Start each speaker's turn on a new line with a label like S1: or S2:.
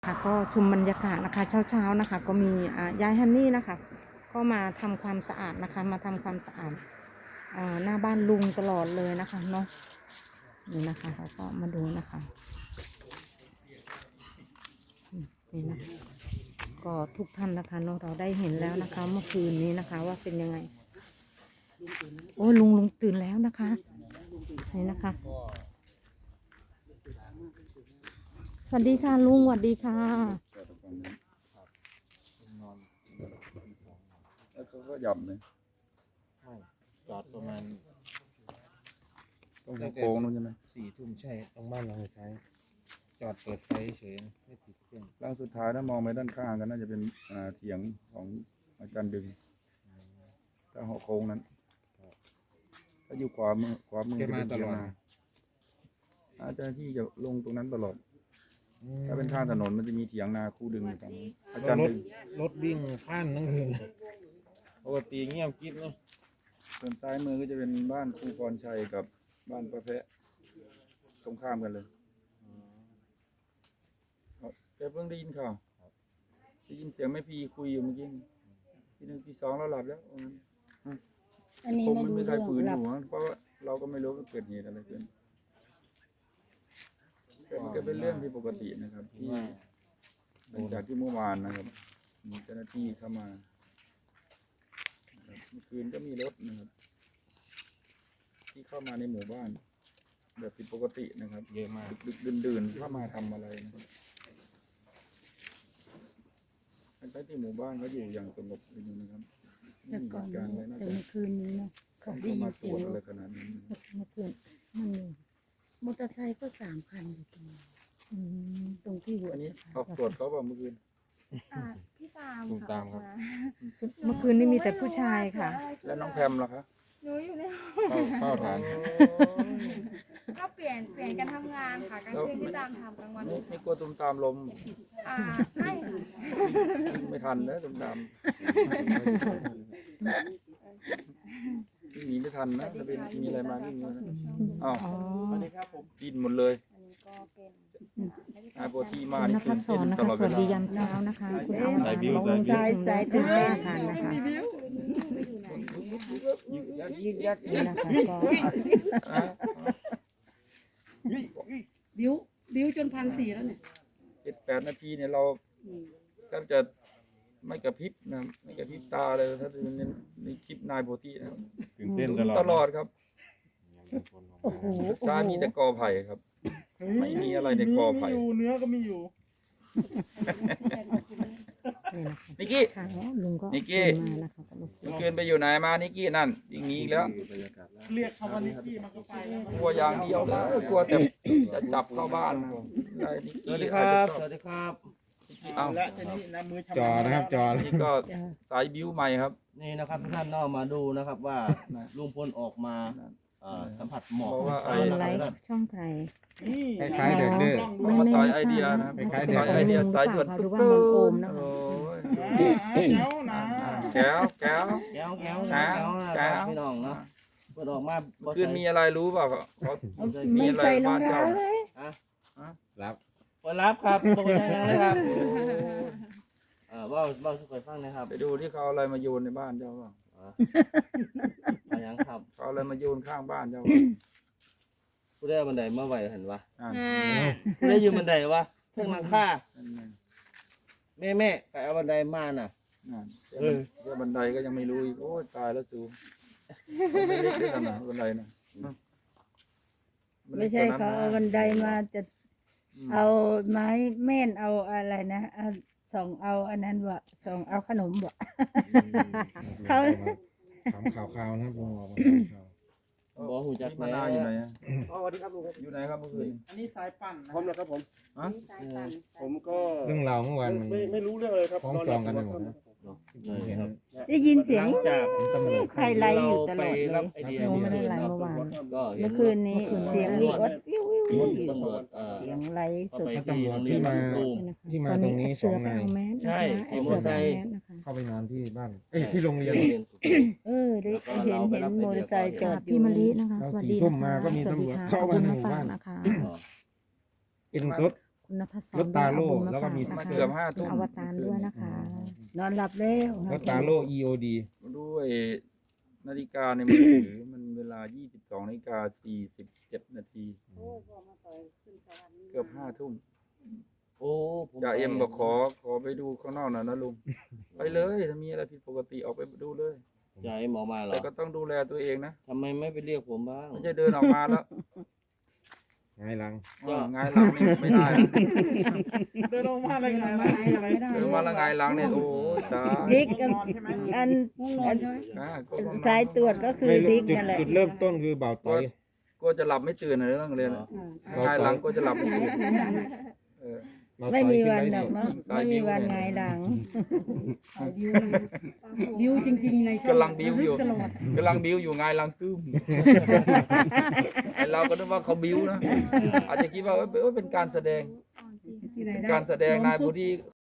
S1: ค่ะก็ชมบรรยากาศนะคะเช้าๆนะคะก็มียายฮันนี่นะคะก็มาทำความสะอาดนะคะมาทำความสะอาดหน้าบ้านลุงตลอดเลยนะคะเนาะนี่นะคะเราก็มาดูนะคะนี่นะก็ทุกท่านนะคะเนาะเราได้เห็นแล้วนะคะเมื่อคืนนี้นะคะว่าเป็นยังไงโอ้ลุงตื่นแล้วนะคะนี่นะคะสวัสดีค่ะลุงสวัสดีค่ะ
S2: แล้วก็หย่ำเลย
S3: ใช่จอดประมาณ
S2: ตรงโค้งนู้นใช่ไหม
S3: 4 ทุ่มใช่ตรงบ้านเราใช้จอดเปิดไฟเฉยไม่ติดเครื่อง
S2: ร่างสุดท้ายถ้ามองไปด้านข้างก็น่าจะเป็นเถียงของอาจารย์ดึงถ้าหัวโค้งนั้นถ้าอยู่ขวามือจะเป็นเถียงนาอาจารย์ที่จะลงตรงนั้นตลอดถ้าเป็นข้างถนนมันจะมีเถียงนาคู่ดึงอยู่ตรงนั้นอาจารย์ดึง
S3: รถวิ่งข้ามทั้งคืนปกติเงียบกิ๊บเนาะ
S2: ส่วนซ้ายมือก็จะเป็นบ้านครูพรชัยกับบ้านประแพะตรงข้ามกันเลยแต่เพิ่งได้ยินข่าวได้ยินเสียงแม่พีคุยอยู่เมื่อกี้ทีหนึ่งทีสองเราหลับแล้ว
S1: อันนี้
S2: คง
S1: ไม่
S2: มัน
S1: รู้
S2: ไม่ใช่
S1: เรื่อง
S2: ปืน
S1: ห
S2: อ
S1: ลับ
S2: ยู่นะเพราะว่าเราก็ไม่รู้ว่าเกิดเหตุอะไรขึ้นแต่มันก็เป็นเรื่องที่ปกตินะครับที่หลังจากที่เมื่อวานนะครับมีเจ้าหน้าที่เข้ามาเมื่อคืนก็มีรถนะครับที่เข้ามาในหมู่บ้านแบบผิดปกตินะครับ
S3: เยอะมาก
S2: ดึกดื่นๆเข้ามาทำอะไรนะครับทั้งที่หมู่บ้านเขาอยู่อย่างสงบอยู่นะครับไม่
S1: แต่
S2: มี
S1: ก่อน
S2: เหตุการณ์อะไรน่า
S1: แต่
S2: จะ
S1: เมื่อคืนนี้เนาะเขาได้
S2: เข้า
S1: ยิ
S2: มาน ส
S1: เสียง
S2: วน
S1: ร
S2: อะไร
S1: ถ
S2: ขนาดนี้นะครับ
S1: เมื่อคืนมันมีมอเตอร์ไซค์ก็3 คันอยู่ตรงนี้ตรงที่หัว
S2: อันนี้
S1: สะพาน
S2: ออกตรวจเขาเปล่าเมื่อคืน
S4: พี่ตาม
S3: ผมตามครับ
S1: เมื่อคืนนี้มีแต่ผู้ชายค่ะ
S2: แล้วน้องแพมล่ะคะ
S4: หนูอยู่ในห้อง
S3: เฝ้าฐาน
S4: ก็เปลี่ยนกันทำงานค่ะกลางคืนพี่ตามทำกลางวัน
S2: ไม่กลัวตุ่มตามลม
S4: ไม่ค่ะ
S2: วิ่งไม่ทันนะตุ่มตามวิ่งหนีไม่ทันนะถ้าเป็นมีอะไรมาวิ่งนะอ้าว
S1: อ๋อ
S2: ดิ้นหมดเลย
S4: อันนี้ก็เป็น
S2: อาโปทีมา
S1: คุณน
S2: นี่
S1: ภัสสอนนะ
S2: ต
S1: คะ
S2: ลอด
S1: ส
S2: เว
S1: วัส
S2: ลา
S1: ดียามเช้านะคะคุณเอาบอกลุงใจใส่ถึงแม่ทานนะคะนี่นะคะก็
S5: บิ้วจน1,400แล้วเนี่ย
S2: 7-8 นาทีเนี่ยเราแทบจะไม่กระพริบนะไม่กระพริบตาเลยถ้าดูในคลิปนายโพธินะครับ
S3: ตื่นเต้นตลอด
S2: ตลอดครับ
S1: โอ้โห
S2: ตามีแต่กอไผ่ครับ ไม่มีอะไรในกอไผ่
S5: เนื้อก็มีอยู่
S1: นี่นะคะ
S2: นิกกี้
S1: เช้าลุงก็
S2: นิกกี้
S1: มานะคะกับลูก
S2: เมื่อคืนไปอยู่ไหนมานิกกี้นั่นอย่างนี้อีกแล้ว
S5: เรียกคำว่านิกกี้มันก็ไปแล้ว
S2: กลัวอย่างเดียวเลยกลัวแต่จะจับเข้าบ้านได้นิก
S3: สวั
S2: กี้
S3: สดีครับสวัสดีครับ
S2: นิกกี้เอา
S5: และทีนี้นะมือทำ
S3: จอนะครับจอ
S2: นี่ก็สายบิ้วใหม่ครับ
S6: นี่นะครับทุกท่านเนอกมาดูนะครับว่าลุงพลออกมาสัมผัสหมอก
S2: เพราะว่า
S6: เช้า
S1: เอา
S6: นะ
S1: ไล
S6: ครับ
S1: ฟ์ช่องใคร
S5: นี่
S3: คล้ายๆเด็กดื้อ
S1: ไม่ไม่
S2: ต่อย
S1: ไม่
S2: ไอ
S1: ทราบ
S2: เดีย
S1: นะ
S2: นะ
S1: น่าจะเป็น
S2: ต่อย
S1: ขอ
S2: ไอง เดี
S1: ลุ
S2: ย
S1: งหรือ
S2: สาย
S1: เป
S2: ด่ว
S1: ล่าน คะหรือว่าของโอมนะคะ
S2: โอ้ย
S5: แจ๋วนะ
S2: แก้วแก้ว
S6: แก้วแก้ว
S2: แก้ว
S6: นะ
S2: แก้
S6: ครับ
S2: ว
S6: พี่น้องเนาะเปิดออกมา
S2: เมื่อคืนมีอะไรรู้เปล่าเขามีอะไรบ้านเจ้า
S3: รับ
S6: เปิดรับครับเปิดยังเลยครับว่าสุขฟังนะครับ
S2: ไปดูที่เขาเอาอะไรมาโยนในบ้านเจ้าเปล่า
S6: มายังครับ
S2: เขาเอาอะไรมาโยนข้างบ้านเจ้า
S6: ผู้ได้บันไดมาไหวเห็นวะ
S2: อ่า
S6: ผู้ได้ยืนบันไดวะเพิ่งหลังคา
S2: นั่นไง
S6: แม่ใครเอาบันไดมาน่ะ
S2: นั่นเรื่องบันไดก็ยังไม่รู้อีกโอ้ยตายแล้วสูไม่เล็กด้วยกันนะบันไดนะ
S7: ไม่ใช่เขาเอาบันไดมาจะเอาไม้แม่นเอาอะไรนะเอาส่องเอาอันนั้นวะส่องเอาขนมวะ เขา
S3: ถามข่าวๆนะครับลุงออกมาข่าว
S6: บอกหูจัก
S2: มะนาวอยู่ไหนอะ
S5: สวัสดีครับลุง
S2: อยู่ไหนครับเมื่อคืน
S5: อันนี้สายปั่นนะ
S8: ผมนะครับผม
S2: ฮะ
S8: ผมก็
S3: เรื่องราวเมื่อวานมัน
S8: ไม่รู้เรื่องเลยครับ
S3: ฟ้องจองกันไปหมดนะ
S6: ใช่ครับ
S7: ได้ยินเสียง
S6: หลังจาก
S3: ตำรวจ
S7: ใครไล่อยู่ตลอด
S6: ไป
S7: เล
S6: รับ
S7: ย
S6: ไอเดีย
S1: หนูไม่ได้ไลฟ์เมื่อวาน
S6: ก็เห็น
S7: เมื่อคืนนี้เสียงมีอดวิววิววิวอยู่
S6: ตำรวจ
S7: เสียงไล่
S6: เข้า
S7: สุด
S6: ไป
S3: ถ้าตำรวจที่มา
S6: ตูม
S3: ที่มาตรงนี้
S1: เสือ
S3: 2
S1: ไป
S3: นาย
S1: เอาแมส
S6: ใช่
S1: นะคะไอ้เสือไปเอาแมสนะคะ
S3: เข้าไปนอนที่บ้านเอ้ยที่โรงเรียน
S7: เออได้เห็นมอเตอร์ไซค์จอดอ
S1: พี่
S7: ยู่
S1: มะลินะคะ สวัสดี
S3: 4 ทุ่
S1: นะ
S3: มมา
S1: คะ
S3: ก็มี
S1: สวัสดี
S3: ตำรวจ
S1: ค่ะ
S3: เข้า
S1: ขอบ
S3: มา
S1: คุณ
S3: ใน
S1: มา
S3: หมู่
S1: ฝา
S3: บ้าก น
S1: นะคะ
S3: เอ็นตุ๊ด
S1: คุณนภัสส
S3: รถตาโล่
S1: บุญ
S3: แล้วก็มี
S1: ฝา
S2: มา
S1: นะคะ
S2: เกือบ5 ทุ่
S1: คุณ
S2: ม
S1: อวตารด้วยนะคะ
S7: นอนหลับแล้ว
S3: รถตาโล EOD
S2: ด้วยนาฬิกาในมือถือมันเวลา 22:47 นาทีเกือบ5 ทุ่ม
S6: โอ้ผม
S2: จ่าเอ็มบอกขอไปดูข้างนอกหน่อยนะลุง ไปเลยถ้ามีอะไรผิดปกติออกไปดูเลย
S6: จ่าเอ็มออกมาเหรอ
S2: แต่ก็ต้องดูแลตัวเองนะ
S6: ทำไมไม่ไปเรียกผมบ้าง
S2: ไม่ใช่เดินออกมาแล้ว
S3: ไงหลัง
S2: ไงายหลังนี่ไม่ได้นะ
S5: เดินลงมาเลยไง
S2: เดินมาและไงายหลังเนี่ยโอ้ยตาย
S7: ดิกอัน
S5: ใช่ไหม
S7: อัน
S2: อ่าก็ต้องนอน
S7: สายตรวจก็คือ
S3: ไม่
S7: ดิ
S3: รู้
S7: ก
S3: จุด
S7: นั่นแหละ
S3: จุดเริ่มต้นคือเบาต่อย
S2: ก็จะหลับไม่ตื่นในเรื่องเรียนไงายหลังก็จะหลับไม่ตื่นเออ
S3: เบา
S7: ไม่
S3: ต่อย
S7: มี
S3: ขึ้น
S7: วัน
S3: ไลฟ์
S7: หร
S3: ส
S7: อก
S3: ด
S7: เนาะไม่มีวันไงหลัง
S4: บิวจริงๆใน
S2: กำลังบิ้วอยู่กำลังบิ้วอยู่ไงายหลังตึ้มไอเราก็นึกว่าเขาบิ้วนะอาจจะคิดว่าเป็นการแสดงเป็นการแสดงนายผู้ที่